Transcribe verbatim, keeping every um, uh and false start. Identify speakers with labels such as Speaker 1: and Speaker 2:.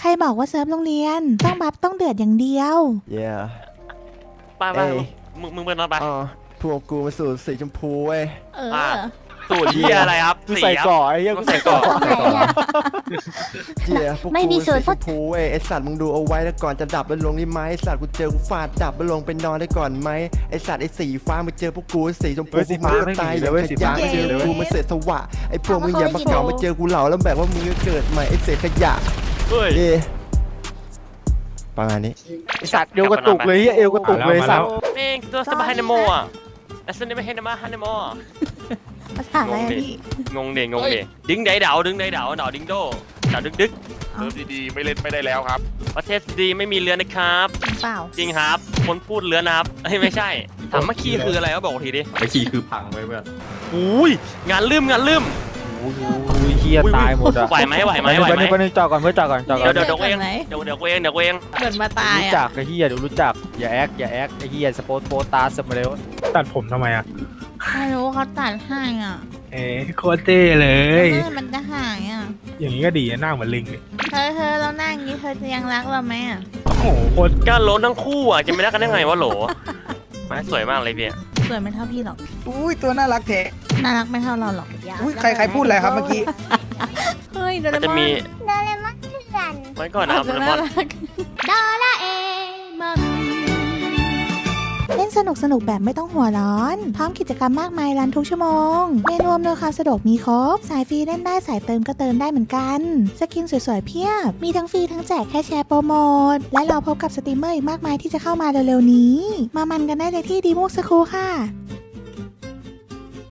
Speaker 1: ใครบอกว่าเซิร์ฟโรงเรียนต้องบัฟต้องเดือดอย่างเดียว
Speaker 2: yeah
Speaker 3: ไปไปมึงมึงเป็นอะไรไป
Speaker 2: อ๋อพวกกูมาสูตรสีชมพูเว้ย
Speaker 1: เออ
Speaker 3: สูตรที่อะไรครับ
Speaker 4: กูใส่เกาะไอ้เหี้ยกูใส่เกาะ
Speaker 5: ตรงไหนอ่ะ
Speaker 2: เจียพวก
Speaker 5: ไม่
Speaker 2: กู
Speaker 5: มี
Speaker 2: สี
Speaker 5: สูตร
Speaker 2: ชมพูเว้ยไอสัตว์มึงดูเอาไว้แล้วก่อนจะดับแล้วลงนี่ไหมไอสัตว์กูเจอกูฟาดดับแล้วลงไปนอนได้ก่อนไหมไอสัตว์ไอสีฟ้ามึงเจอพวกกูสีชมพู
Speaker 4: เฮ้ยสีฟ้า
Speaker 2: กู
Speaker 4: ไม่
Speaker 2: ตาย
Speaker 4: มีเลยเว้ยสีฟ้า
Speaker 2: ไม่
Speaker 4: ไม่
Speaker 2: เจ
Speaker 4: มี
Speaker 2: อ
Speaker 4: เลยเว้ย
Speaker 2: กูมาเสร็จสวะไอพวกมึงอย่ามาเก่ามาเจอกูเหล่าแล้วแบบว่ามึงจะเกิดใหม่ไอเศษขยะ
Speaker 3: เฮ้ย
Speaker 2: เย่ประมาณนี้
Speaker 4: ไอสัตว์เอวกระตุกเลยเหี้ยเอวกระตุกเลยสัตว์
Speaker 3: เม่งตัวสบายนโมอ่ะแอสเซนไม่ให้นมาฮันโม
Speaker 1: ภาษาอะไรอะพี่
Speaker 3: งงเด่งงงเด่ดึงไดเดาดึงไดเดาเดาดิงโดเดาดึกดึก
Speaker 6: เซิร์ฟดีๆไม่เล่นไม่ได้แล้วครับ
Speaker 3: ประเทศดีไม่มีเรือนะครับ
Speaker 1: เปล่า
Speaker 3: จริงครับคนพูดเรือนะครับเฮ้ยไม่ใช่ถามเมื่อกี้คืออะไรก็บอกทีดิ
Speaker 7: ไอขี่คือพังไว้เพื่อน
Speaker 3: อุ้ยงานลืมงานลืม
Speaker 4: โอ้โหเหี้ยตายหมดอ่ะ
Speaker 3: ไหวไหมไหวไหมไหวไหม
Speaker 4: ไปนึงจอดก่อนเพื่อจอดก่อนจอดก่
Speaker 3: เดี๋
Speaker 4: อย น
Speaker 3: วเดี๋ยวเดี๋ยวเองเดี๋ยวเดี๋ยวเองเดี๋ยวเอง
Speaker 1: เหมือนมาตาย
Speaker 4: รู้
Speaker 1: อ่ะ
Speaker 4: จักไอ้เหี้ยเดี๋ยวรู้จักอย่าแอคอย่าแอคไอ้เหี้ยสปอร์ตโปตาสมาเร็ว
Speaker 8: ตัดผมทำไมอ่ะ
Speaker 1: ไม่รู้เขาตัดให้อ่ะ
Speaker 8: เอ้โคตรเท่เลย
Speaker 1: เมื่อมันจะหายอ่ะ
Speaker 8: อย่างนี้ก็ดีอะหน้าเหมือนลิงเลย
Speaker 1: เธอเธอเรานั่งอย่างนี้เธอจะยังรักเราไหมอ่ะ
Speaker 8: โอ้โหโคตร
Speaker 3: ก็ล้นทั้งคู่อ่ะจะไม่ได้กันได้ไงวะโหลไม่สวยมากเลยพี่
Speaker 1: สวยไม่เท่าพี่หรอก
Speaker 9: อุ้ยตัวน่ารักเทะ
Speaker 1: น่ารักไม่เท่าเราหรอก
Speaker 9: อุ้ยใครใครพูดอะไรครับเมื่อกี้
Speaker 1: เฮ้ยโด
Speaker 3: มัน
Speaker 1: เร
Speaker 3: จะ
Speaker 1: มอน
Speaker 3: มี
Speaker 5: โดเรมอนเถื่อน
Speaker 3: ไว้ก่อนนะครับโดเรมอน
Speaker 5: โดราเอมอน
Speaker 1: เล่นสนุกสนุกแบบไม่ต้องหัวร้อน พร้อมกิจกรรมมากมายรันทุกชั่วโมง เมนูอำนวยความสะดวกมีครบ สายฟรีเล่นได้สายเติมก็เติมได้เหมือนกัน สกินสวยๆเพียบ มีทั้งฟรีทั้งแจกแค่แชร์โปรโมท และเราพบกับสตรีมเมอร์อีกมากมายที่จะเข้ามาเร็วๆนี้ มามันกันได้เลยที่ดีมูกสคูค่ะ